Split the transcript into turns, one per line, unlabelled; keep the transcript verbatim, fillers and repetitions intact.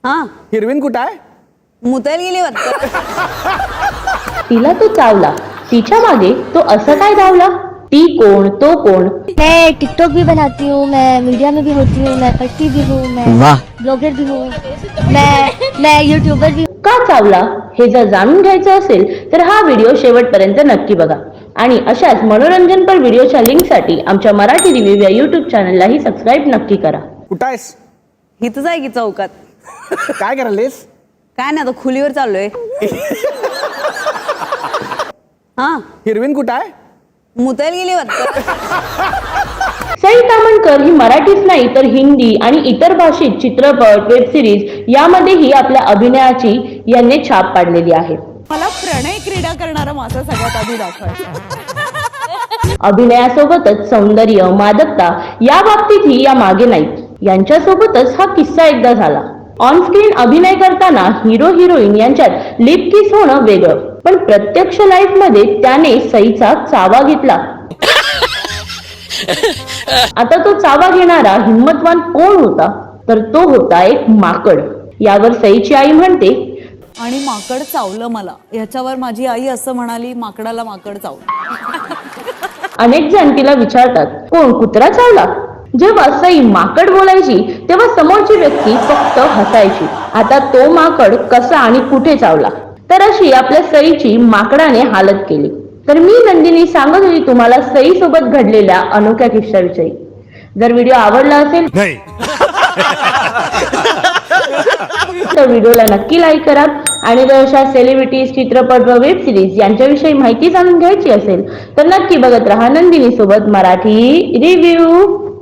हा
हिरवीन कुठं आहे?
मुतायला गेली वाटतं.
तिला तो चावला, तिच्या मागे तो असं काय धावला? ती कोण, तो कोण?
मैं टिकटॉक भी बनाती हूँ, मैं मीडिया में भी होती हूँ, मैं पढ़ती भी हूँ, मैं ब्लॉगर भी हूँ, मैं मैं यूट्यूबर भी.
का चावला हे जर जाणून घ्यायचं असेल तर हा व्हिडिओ शेवटपर्यंत नक्की बघा आणि अशाच मनोरंजनपर व्हिडिओच्या लिंकसाठी आमच्या मराठी रिव्ह्यू या युट्यूब चॅनललाही सबस्क्राईब नक्की करा.
कुठं आहेस?
हिथंच आहे की चौकात.
काय करायलेस?
काय नाही आता खुलीवर चाललोय. हा
हिरवीन कुठं आहे?
मुतायला गेली वाटतं.
सई तामणकर ही मराठीच नाही तर हिंदी आणि इतर भाषिक चित्रपट, वेब सिरीज यामध्येही आपल्या अभिनयाची यांनी छाप पाडलेली आहे.
मला प्रणय क्रीडा करणारा मासा सगळ्यात आधी दाखवायचा.
अभिनयासोबतच सौंदर्य, मादकता या बाबतीतही या मागे नाहीत. यांच्यासोबतच हा किस्सा एकदा झाला. ऑन स्क्रीन अभिनय करताना हिरो हिरोईन यांच्यात लिप किस होणं वेगळं, पण प्रत्यक्ष लाईफ मध्ये त्याने सईचा चावा घेतला. आता तो चावा घेणारा हिम्मतवान कोण होता? तर तो होता एक माकड. यावर सईची आई म्हणते,
आणि माकड चावलं मला. ह्याच्यावर माझी आई असं म्हणाली, माकडाला माकड चावलं.
अनेक जण तिला विचारतात, कोण, कुत्रा चावला? जेव्हा सई माकड बोलायची तेव्हा समोरची व्यक्ती फक्त हसायची. आता तो माकड कसा आणि कुठे चावला? तर अशी आपल्या सईची माकडाने हालत केली. तर मी नंदिनी सांगत होती तुम्हाला सई सोबत घडलेल्या अनोख्या किस्साविषयी. जर व्हिडिओ आवडला असेल तर व्हिडिओला नक्की लाईक करा आणि जर अशा सेलिब्रिटीज, चित्रपट व वेब सिरीज यांच्याविषयी माहिती जाणून घ्यायची असेल तर नक्की बघत राहा नंदिनी सोबत मराठी रिव्ह्यू.